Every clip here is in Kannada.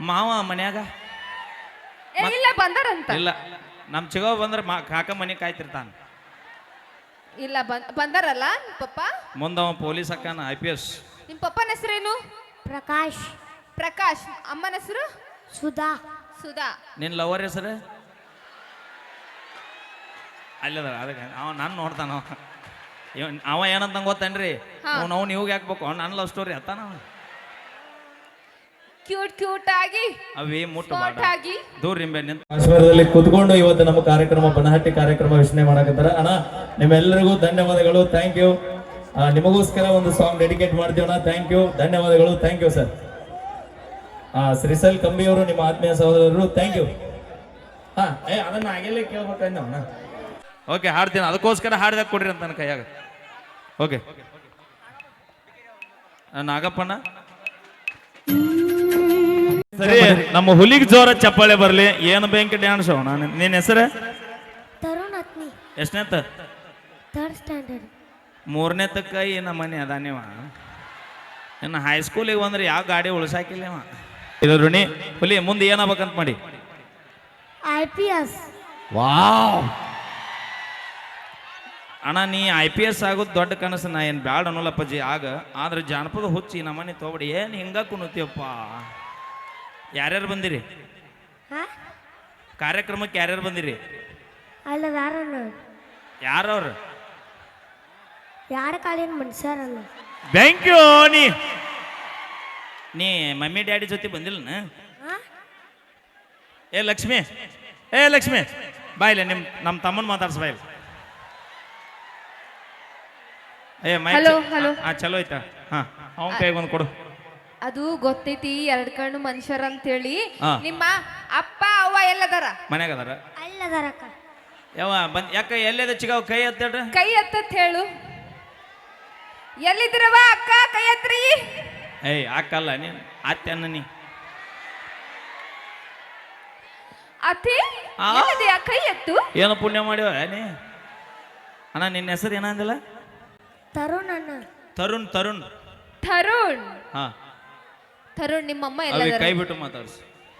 ಮಾವ ಮನ್ಯಾಗ ಇಲ್ಲ ಬಂದಾರಂತ. ಇಲ್ಲ ನಮ್ ಚಿಗವ ಬಂದ್ರೆ ಕಾಕ ಮನೆ ಕಾಯ್ತಿರ್ತಾನ. ಇಲ್ಲ ಬಂದಾರಲ್ಲ ನಿಮ್ ಪಪ್ಪ. ಮುಂದವ ಪೊಲೀಸ್ ಅಕ್ಕನ IPS. ನಿಮ್ ಪಪ್ಪನ ಹೆಸರೇನು? ಪ್ರಕಾಶ್. ಪ್ರಕಾಶ್. ಅಮ್ಮನ ಹೆಸರು ಸುಧಾ. ಸುಧಾ. ನಿನ್ ಲವರ್ ಹೆಸರು ಅಲ್ಲದ ಅದಕ್ಕೆ ಅವ ನಾನು ನೋಡ್ತಾನ. ಅವ ಏನಂತ ಗೊತ್ತೇನ್ರಿ, ಅವ್ನು ಇವಾಗ ಹಾಕ್ಬೇಕು ನನ್ನ ಲವ್ ಸ್ಟೋರಿ ಅತ್ತಾನ. ಕ್ಯೂಟ್ ಕ್ಯೂಟ್ ಆಗಿ ಅವೇ ಮುಟ್ಟು ಆಗಿ ದೂರ ನಿಂಬೆ ನಿಂತ ಕಾಶ್ಮೀರದಲ್ಲಿ ಕುತ್ಕೊಂಡು ಇವತ್ತು ನಮ್ಮ ಕಾರ್ಯಕ್ರಮ ಬನಹಟ್ಟಿ ಕಾರ್ಯಕ್ರಮ ವೀಕ್ಷಣೆ ಮಾಡಕತ್ತಾರ. ಅಣ್ಣ ನಿಮ್ಮೆಲ್ಲರಿಗೂ ಧನ್ಯವಾದಗಳು, ಥ್ಯಾಂಕ್ ಯು. ನಿಮಗೋಸ್ಕರ ಒಂದು ಸಾಂಗ್ ಡೆಡಿಕೇಟ್ ಮಾಡ್ತೀವಣ್ಣ. ಥ್ಯಾಂಕ್ ಯು, ಧನ್ಯವಾದಗಳು, ಥ್ಯಾಂಕ್ ಯು ಸರ್. ಶ್ರೀಸಲ್ ಕಂಬಿಯವರು ನಿಮ್ಮ ಆತ್ಮೀಯ ಸಹೋದರರು, ಥ್ಯಾಂಕ್ ಯು. ಅದನ್ನ ಆಗಲೇ ಕೇಳ್ಬೇಕಂದವಣ್ಣ. ಓಕೆ ಹಾಡ್ತೀನಿ, ಅದಕ್ಕೋಸ್ಕರ ಹಾಡ್ದಾಗ ಕೊಡ್ರಿ ಅಂತ ನನ್ನ ಕೈಯಾಗ. ಓಕೆ ನಾಗಪ್ಪಣ್ಣ ಸರಿ, ನಮ್ಮ ಹುಲಿಗೆ ಜೋರ ಚಪ್ಪಾಳೆ ಬರ್ಲಿ. ಏನು ಬ್ಯಾಂಕ್ ಡ್ಯಾನ್ಸ್ ಅವನ. ನಿನ್ನ ಹೆಸರು ತರುಣ್ ಅತ್ನಿ. ಎಷ್ಟನೇತ? Third standard. ಮೂರನೇ ತಕ್ಕ ನಮ್ಮ ಮನೆ ಅದಾನಿವ. ಇನ್ನು ಹೈಸ್ಕೂಲಿಗೆ ಬಂದ್ರೆ ಯಾವ ಗಾಡಿ ಉಳ್ಸಾಕಿಲ್ಲ ಇವ. ಇದು ಋಣಿ ಹುಲಿ ಮುಂದೆ ಏನಾಗ್ಬೇಕಂತ ಮಾಡಿ. IPS. ವಾವ್ ಅಣ್ಣ, ನೀ IPS ಆಗೋದು ದೊಡ್ಡ ಕನಸು. ನಾ ಏನು ಬ್ಯಾಡ ಅನ್ನೋಲ್ಲಪ್ಪಜ್ಜಿ ಆಗ. ಆದ್ರೆ ಜಾನಪದ ಹುಚ್ಚಿ ನಮ್ಮನೆ ತೊಗೊಬಿಡಿ. ಏನು ಹಿಂಗ ಕುಣತೀವಪ್ಪ. ಯಾರ್ಯಾರು ಬಂದಿರಿ ಕಾರ್ಯಕ್ರಮಕ್ಕೆ? ಯಾರ್ಯಾರು ಬಂದಿರಿ? ಅಲ್ಲ ಯಾರನ್ನ ಯಾರವ್ರು? ಯಾರ ಕಾಲಿನ ಮನುಷ್ಯರಲ್ಲ. Thank you. ನೀ ಮಮ್ಮಿ ಡ್ಯಾಡಿ ಜೊತೆ ಬಂದಿಲ್ಲ? ಏ ಲಕ್ಷ್ಮಿ, ಬಾಯಿಲೆ ನಮ್ಮ ತಮ್ಮನ್ ಮಾತಾಡ್ಸ ಬಾಯಿಲೆ. Hello hello. ಚಲೋ ಆಯ್ತಾ? ಅವನ ಕೈಗೆ ಒಂದು ಕೊಡು. ಅದು ಗೊತ್ತೈತಿ, ಎರಡ್ ಕಣ್ಣು ಮನುಷ್ಯರ ಅಂತ ಹೇಳಿ. ನಿಮ್ಮ ಅಪ್ಪ ಅವ್ವ ಎಲ್ಲದಾರ? ಮನ್ಯಾಗ ಅದಾರ. ಅಲ್ಲದಾರಕ್ಕ. ಯಾವ ಯಾಕ ಎಲ್ಲದ ಚಿಗಾವ್ ಕೈ ಎತ್ತೇಳ್ರಿ. ಕೈ ಎತ್ತತ್ ಹೇಳು. ಎಲ್ಲಿದ್ರವ ಅಕ್ಕ? ಕೈ ಎತ್ರಿ. ಅಕ್ಕಲ್ಲ ನೀನ್ ಅತ್ತೆನ್ನ ನೀ. ಅತಿ ಎಲ್ಲಿದೆಯಾ? ಕೈ ಎತ್ತು. ಏನು ಪುಣ್ಯ ಮಾಡಿವ ನೀ? ಅಣ್ಣ ನಿನ್ನ ಹೆಸರು ಏನಂದಿಲ್ಲ? ತರುಣ್ ಅಣ್ಣ. ತರುಣ್. ತರುಣ್. ಹಾ ತರುಣ್. ನಿಮ್ಮಮ್ಮ ಅವಿ ಎಲ್ಲ ಕೈ ಬಿಟ್ಟು ಮಾತಾಡ್ಸಿ.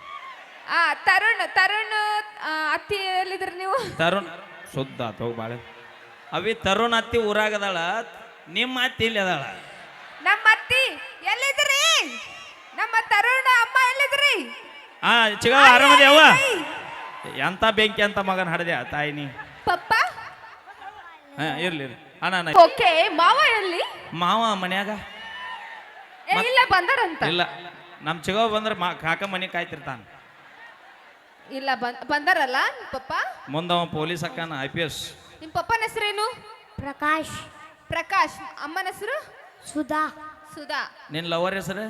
ತರುಣ್ ಅತ್ತಿ ಎಲ್ಲಿದ್ರಿ ನೀವು? ತರುಣ್ ಶುದ್ಧ ಹೋಗಿ ಬಾಳೆ. ಅವಿ ತರುಣ್ ಅತ್ತಿ ಊರಾಗದಾಳ, ನಿಮ್ಮ ಅತ್ತಿ ಇಲ್ಲಿ ಅದಾಳ. ನಮ್ಮ ಅತ್ತಿ ಎಲ್ಲಿದ್ರಿ? ನಮ್ಮ ತರುಣ ಅಮ್ಮ ಎಲ್ಲಿದ್ರಿ? ಚಿಗ ಆರಾಮದಿ ಅವ್ವ? ಎಂತ ಬೆಂಕಿ ಅಂತ ಮಗನ ಹಡದೆ ತಾಯಿ ನೀ. ಪಪ್ಪ ಇರ್ಲಿ ಅಣ್ಣ. ಓಕೆ, ಮಾವ ಎಲ್ಲಿ? ಮಾವ ಮನ್ಯಾಗ. ಇಲ್ಲ ಬಂದಾರಂತ. ಇಲ್ಲ ನಮ್ ಚಿಗವ ಬಂದ್ರೆ ಕಾಕ ಮನೆ ಕಾಯ್ತಿರ್ತಾನ. ಇಲ್ಲ ಬಂದಾರಲ್ಲ ನಿಮ್ ಪಪ್ಪ. ಮುಂದವ ಪೊಲೀಸ್ ಅಕ್ಕನ IPS. ನಿಮ್ ಪಪ್ಪನ ಹೆಸರೇನು? ಪ್ರಕಾಶ್. ಪ್ರಕಾಶ್. ಅಮ್ಮನ ಹೆಸರು ಸುಧಾ. ಸುಧಾ. ನಿನ್ ಲವರ್ ಹೆಸರು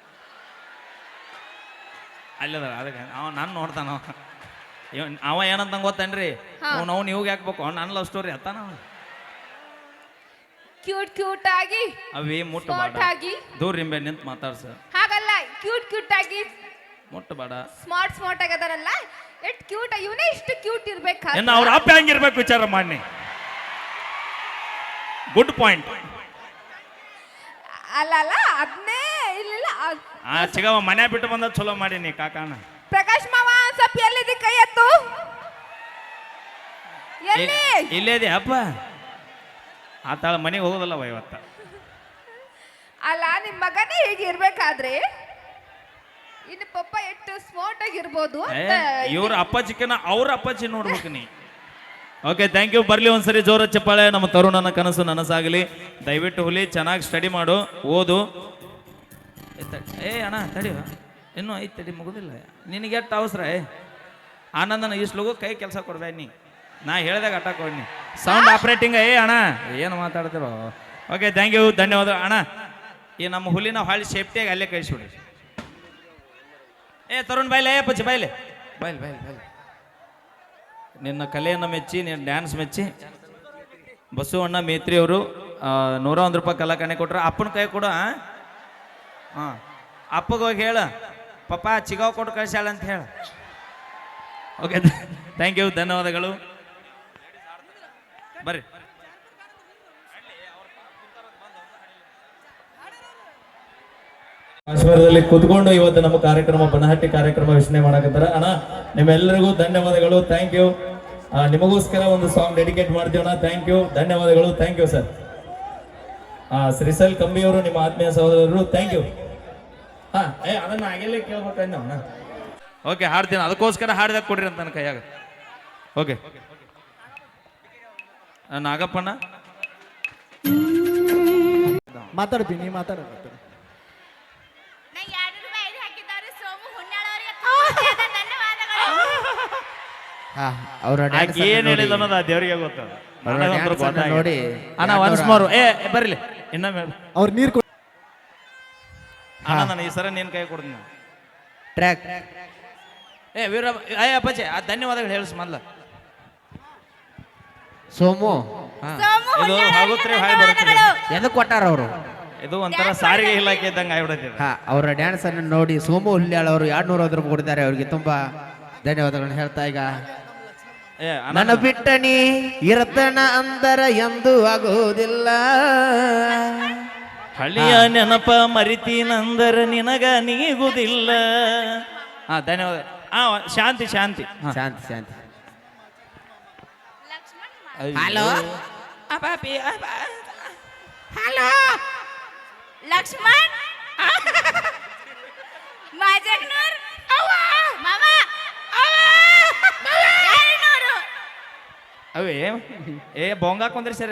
ಅಲ್ಲದ ಅದಕ್ಕೆ ನಾನು ನೋಡ್ತಾನ. ಅವ ಏನಂತ ಗೊತ್ತೇನ್ರಿ, ಅವ್ನು ಇವಾಗ ಹಾಕ್ಬೇಕು ನನ್ನ ಲವ್ ಸ್ಟೋರಿ ಅತ್ತಾನ. ಕ್ಯೂಟ್ ಕ್ಯೂಟ್ ಆಗಿ ಅವೇ ಮುಟ್ಟು ಆಗಿ ದೂರ ನಿಂಬೆ ನಿಂತ ಮಾತಾಡ್ಸ. ಹಾಗಲ್ಲ, ಕ್ಯೂಟ್ ಆಗಿ ಮುಟ್ಟು ಬೇಡ. ಸ್ಮಾರ್ಟ್ ಆಗದಾರಲ್ಲ, ಎಷ್ಟು ಕ್ಯೂಟ್. ಇವನೇ ಇಷ್ಟು ಕ್ಯೂಟ್ ಇರ್ಬೇಕು. ಇನ್ನು ಅವ್ರ ಅಪ್ಪ ಹೆಂಗಿರ್ಬೇಕು ವಿಚಾರ ಮಾಡಿ. Good point. ಅಲ್ಲ ಅದನ್ನೇ ಇಲ್ಲ. ಚಿಗವ ಮನೆ ಬಿಟ್ಟು ಬಂದ ಚಲೋ ಮಾಡೀನಿ ಕಾಕಾನ. ಪ್ರಕಾಶ್ ಮಾವ ಸ್ವಲ್ಪ ಎಲ್ಲಿದೆ? ಕೈ ಎತ್ತು. ಎಲ್ಲಿ? ಇಲ್ಲೇದಿ ಅಪ್ಪ. ಆತಾಳ ಮನೆಗೆ ಹೋಗೋದಲ್ಲವ ಇವತ್ತ. ಅಲ್ಲ ನಿಮ್ ಮಗನೇ ಹೀಗೆ ಇರ್ಬೇಕಾದ್ರೆ ಇನ್ನು ಪಪ್ಪ ಎಷ್ಟು ಸ್ಮಾರ್ಟ್ ಆಗಿರ್ಬೋದು. ಇವ್ರ ಅಪ್ಪಾಜಿಕನ ಅವ್ರ ಅಪ್ಪಾಜಿ ನೋಡ್ಬೇಕು ನೀ. Okay thank you. ಬರ್ಲಿ ಒಂದ್ಸರಿ ಜೋರ ಚಪ್ಪಾಳೆ. ನಮ್ಮ ತರುಣನ ಕನಸು ನನಸಾಗಲಿ. ದಯವಿಟ್ಟು ಹುಲಿ ಚೆನ್ನಾಗಿ ಸ್ಟಡಿ ಮಾಡು, ಓದು. ಅಣ್ಣ ತಡಿ, ಇನ್ನೂ ಐದು ತಡಿ ಮುಗುದಿಲ್ಲ. ನಿನಗೆ ಎಷ್ಟು ಅವಸರ? ಆನಂದನ ಇಷ್ಟು ಕೈ ಕೆಲಸ ಕೊಡ್ಬೇಡ ನೀ. ನಾ ಹೇಳ್ದಾಗ ಅಟ್ಟ ಕೊಡ್ನಿ. Sound operating. ಅಣ್ಣ ಏನು ಮಾತಾಡ್ತಿರೋ? ಓಕೆ ಥ್ಯಾಂಕ್ ಯು, ಧನ್ಯವಾದ ಅಣ್ಣ. ಈ ನಮ್ಮ ಹುಲಿನ ಹಾಳಿ ಸೇಫ್ಟಿಯಾಗಿ ಅಲ್ಲೇ ಕಳಿಸ್ಬಿಡಿ. ತರುಣ್ ಬಾಯ್ಲೆ, ಪಚ್ಚಿ ಬಾಯ್ಲೆ, ಬಾಯ್ಲೆ. ನಿನ್ನ ಕಲೆಯನ್ನು ಮೆಚ್ಚಿ, ನಿನ್ನ ಡ್ಯಾನ್ಸ್ ಮೆಚ್ಚಿ ಬಸವಣ್ಣ ಮೇತ್ರಿ ಅವರು 101 ರೂಪಾಯಿ ಕಲಾಕಣೆ ಕೊಟ್ರ. ಅಪ್ಪನ ಕೈ ಕೊಡು. ಅಪ್ಪಗೋಗಿ ಹೇಳ, ಪಪ್ಪ ಚಿಗಾವ್ ಕೊಟ್ಟು ಕಳ್ಸ್ಯಾಳ ಅಂತ ಹೇಳ. ಓಕೆ ಥ್ಯಾಂಕ್ ಯು, ಧನ್ಯವಾದಗಳು. ಬರ್ರಿ. ಕಾಶ್ಮೀರದಲ್ಲಿ ಕುತ್ಕೊಂಡು ಇವತ್ತು ನಮ್ಮ ಕಾರ್ಯಕ್ರಮ ಬನಹಟ್ಟಿ ಕಾರ್ಯಕ್ರಮ ವೀಕ್ಷಣೆ ಮಾಡಕತ್ತಾರ. ಅಣ್ಣ ನಿಮ್ಮೆಲ್ಲರಿಗೂ ಧನ್ಯವಾದಗಳು, ಥ್ಯಾಂಕ್ ಯು. ನಿಮಗೋಸ್ಕರ ಒಂದು ಸಾಂಗ್ ಡೆಡಿಕೇಟ್ ಮಾಡ್ತೀವಣ್ಣ. ಥ್ಯಾಂಕ್ ಯು, ಧನ್ಯವಾದಗಳು, ಥ್ಯಾಂಕ್ ಯು ಸರ್. ಶ್ರೀಸಲ್ ಕಂಬಿಯವರು ನಿಮ್ಮ ಆತ್ಮೀಯ ಸಹೋದರರು, ಥ್ಯಾಂಕ್ ಯು. ಅದನ್ನ ಆಗಲೇ ಕೇಳ್ಬೇಕಣ್ಣ. ಓಕೆ, ಹಾಡ್ತೀನಿ, ಅದಕ್ಕೋಸ್ಕರ ಹಾಡ್ದಾಗ ಕೊಡ್ರಿ ಅಂತ ನನ್ನ ಕೈಯಾಗ. ಓಕೆ, ನಾಗಪ್ಪಣ್ಣ ಮಾತಾಡ್ತೀನಿ, ನೀ ಮಾತಾಡ. ಏನ್ ಹೇಳಿದ ಅನ್ನೋದು ಆ ದೇವರಿಗೆ ಗೊತ್ತದ. ನೋಡಿ ಅಣ್ಣ ಒನ್ಸ್ ಮೋರ್ ಬರ್ಲಿ ಇನ್ನೊಮ್ಮೆ ಅವ್ರ ನೀರ್ ಅಣ್ಣ, ನಾನು ಈ ಸರ ನಿನ್ ಕೈ ಕೊಡ್ತೀನಿ. ಟ್ರ್ಯಾಕ್ ವೀರ ಅಪ್ಪಾಜಿ ಆ ಧನ್ಯವಾದಗಳು ಹೇಳಿಸ್ ಮೊದ್ಲ. ಸೋಮು ಇದು ಆಗುತ್ರಿ, ಹಾಯ್ ಬರುತ್ತೆ. ಎದಕ್ ಕೊಟ್ಟಾರ ಅವರು? ಇದು ಒಂಥರ ಸಾರಿಗೆ ಇಲಾಖೆ ಇದ್ದಂಗೆ ಆಗ್ಬಿಡತ್ತೆ. ಅವರ ಡ್ಯಾನ್ಸ್ ಅನ್ನು ನೋಡಿ ಸೋಮು ಹುಲ್ಯಾಳ್ ಅವರು 250 ರೂಪಾಯಿ ಕೊಟ್ಟಿದ್ದಾರೆ. ಅವರಿಗೆ ತುಂಬಾ ಧನ್ಯವಾದಗಳನ್ನ ಹೇಳ್ತಾ ಈಗ ನನ್ನ ಬಿಟ್ಟಣಿ ಇರತನ ಅಂದರ ಎಂದು ಆಗೋದಿಲ್ಲ, ಹಳಿಯ ನೆನಪ ಮರಿತೀನಂದರ ನಿನಗ ನೀಗುದಿಲ್ಲ. ಧನ್ಯವಾದ. ಶಾಂತಿ ಶಾಂತಿ ಶಾಂತಿ ಶಾಂತಿ. ಹಲೋ ಹಲೋ ಲಕ್ಷ್ಮಣ್ ಮಾಜಗ್ನೂರ್ ಮಾಮ ಅವೇ ಬೊಂಗ ಹಾಕೊಂಡ್ರಿ ಸರ್.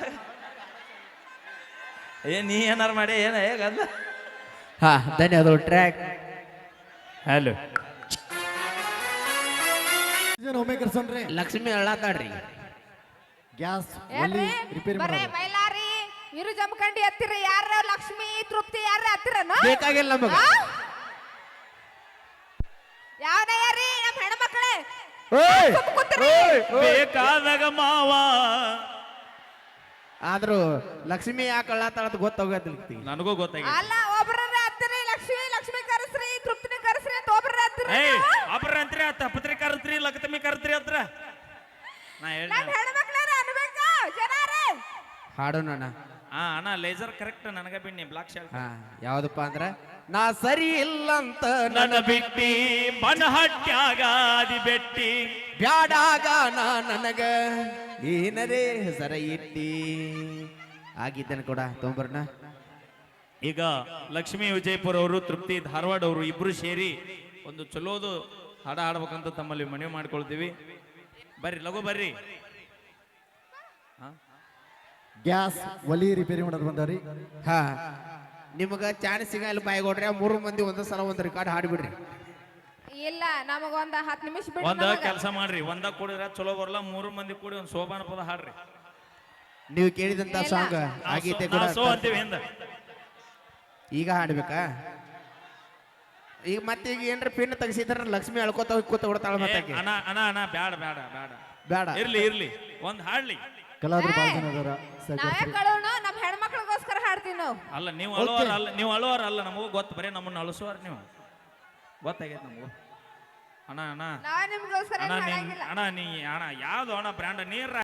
ನೀ ಏನಾರು ಮಾಡಿ ಏನ ಹೇಗಲ್ಲ. ಧನ್ಯವಾದಗಳು. ಟ್ರ್ಯಾಕ್ ಹಲೋ ಲಕ್ಷ್ಮಿ ಅಳ್ಳಾತಾಡ್ರಿ. ಗ್ಯಾಸ್ ಏನ್ರಿ ರಿಪೇರಿ ಬರೇ ಮೈಲಾರಿ ಇರು ಜಮಖಂಡಿ ಹತ್ತಿರ ಯಾರ ಲಕ್ಷ್ಮಿ ತೃಪ್ತಿ ಯಾರ ಹತ್ತಿರನು ಬೇಕಾಗಿಲ್ಲ ನಮಗ. ಯಾವನ ಯಾರಿ ನಮ್ಮ ಹೆಣ್ಮಕ್ಳೇ ಬೇಕಾದಾಗ ಮಾವ. ಆದ್ರೂ ಲಕ್ಷ್ಮಿ ಯಾಕೆ ಅಳ್ಳಾತಾಳತ್ ಗೊತ್ತಾಗೋದಿಲ್ಲ ನನಗೂ ಗೊತ್ತಾಗಿ. ಅಲ್ಲ ಒಬ್ರ ಹತ್ತಿರ ಲಕ್ಷ್ಮಿ ಕರೆಸ್ರಿ ತೃಪ್ತಿನಿ ಕರೆಸ್ರಿ ಅಂತ ಒಬ್ರ ಹತ್ತಿರ ಒಬ್ರ ಅಂತ್ರಿ ತಪ್ಪತ್ರಿ ಕರತ್ರಿ ಲಕ್ಷ್ಮಿ ಕರತ್ರಿ ಹತ್ರ ನಾ ಹೇಳಿ. ನಮ್ಮ ಹೆಣ್ಮಕ್ಳಾರ ಅನ್ಬೇಕಾ ಜನಾರೇ ಹಾಡೋಣ. ಅಣ್ಣ ಲೇಸರ್ ಕರೆಕ್ಟ್ ನನಗ ಬಿಡ್ನಿ ಬ್ಲಾಕ್ ಶಾಲ್. ಯಾವ್ದಪ್ಪ ಅಂದ್ರ ನಾ ಸರಿ ಇಲ್ಲ ಅಂತ ನನ್ನ ಬಿಟ್ಟಿ ಬನಹಟ್ಟ್ಯಾಗಾದಿ ಬೆಟ್ಟಿ ಬ್ಯಾಡಾಗ ನಾ ನನಗ ಏನರೇ ಹೆಸರ ಇಟ್ಟಿ ಆಗಿದ್ದೇನೆ ಕೂಡ ತೊಂಬರ್ನ. ಈಗ ಲಕ್ಷ್ಮೀ ವಿಜಯಪುರ ಅವರು ತೃಪ್ತಿ ಧಾರವಾಡ ಅವರು ಇಬ್ರು ಸೇರಿ ಒಂದು ಚಲೋದು ಹಾಡ ಹಾಡ್ಬೇಕಂತ ತಮ್ಮಲ್ಲಿ ಮನವಿ ಮಾಡ್ಕೊಳ್ತೀವಿ. ಬರ್ರಿ ಲಘು ಬರ್ರಿ. ಗ್ಯಾಸ್ ಒಲಿ ರಿಪೇರಿ ಮಾಡೋದು ಬಂದವ್ರಿ. ನಿಮಗ ಚಾನ್ಸ್ ಸಿಗಲ್ಲ ಬಾಯ್ಗೊಡ್ರಿ. 3 ಮಂದಿ ಒಂದ್ ಸಲ ಒಂದ್ ರೆಕಾರ್ಡ್ ಹಾಡ್ಬಿಡ್ರಿ. ಇಲ್ಲ ನಮಗ ಒಂದ 10 ನಿಮಿಷ ಬಿಟ್ಟು ಒಂದ ಕೆಲಸ ಮಾಡ್ರಿ, ಒಂದ ಕೂಡಿದ್ರ ಚಲೋ ಬರಲ್ಲ. 3 ಮಂದಿ ಕೂಡಿ ಒಂದ್ ಸೋಬಾನ ಪದ ಹಾಡ್ರಿ. ನೀವು ಕೇಳಿದಂತ ಸಾಂಗ್ ಆಗೈತೆ ಕೂಡ ಸೋ ಅಂತೀವಿ ಹಿಂದ. ಈಗ ಹಾಡ್ಬೇಕಾ? ಈಗ ಮತ್ತೆ ಈಗ ಏನ್ರ ಪಿನ್ ತೆಗಿಸಿದ್ರ ಲಕ್ಷ್ಮಿ ಅಳ್ಕೋತ ಕೂತ ಹೊಡ್ತಾಳ. ಮತ್ತೆ ಅಣ್ಣ ಅಣ್ಣ ಅಣ್ಣ ಬ್ಯಾಡ ಬ್ಯಾಡ ಬ್ಯಾಡ ಬೇಡ, ಇರ್ಲಿ ಇರ್ಲಿ ಒಂದ್ ಹಾಡ್ಲಿ. ಕಲಾವಿದ್ರು ಭಾಳ ಜನ ಅದಾರ. ನಾವೇ ಕಳೋಣ ನಮ್ಮ ಹೆಣ್ಮಕ್ಳಿಗೋಸ್ಕರ ಹಾಡ್ತೀವಿ ನಾವು. ಅಲ್ಲ ನೀವು ಅಳುವಾರ ಅಲ್ಲ, ನೀವು ಅಳುವಾರ ಅಲ್ಲ, ನಮಗೂ ಗೊತ್ತು. ಬರೀ ನಮ್ಮನ್ನ ಅಳಿಸುವಾರ ನೀವು ಗೊತ್ತಾಗೈತೆ ನಮಗೂ. ಅಣ್ಣ ಅಣ್ಣ ನಾವೇ ನಿಮ್ಗೋಸ್ಕರ ಅಣ್ಣ ನೀ ಅಣ್ಣ ಯಾವ್ದು ಅಣ್ಣ ಬ್ರ್ಯಾಂಡ್ ನೀರ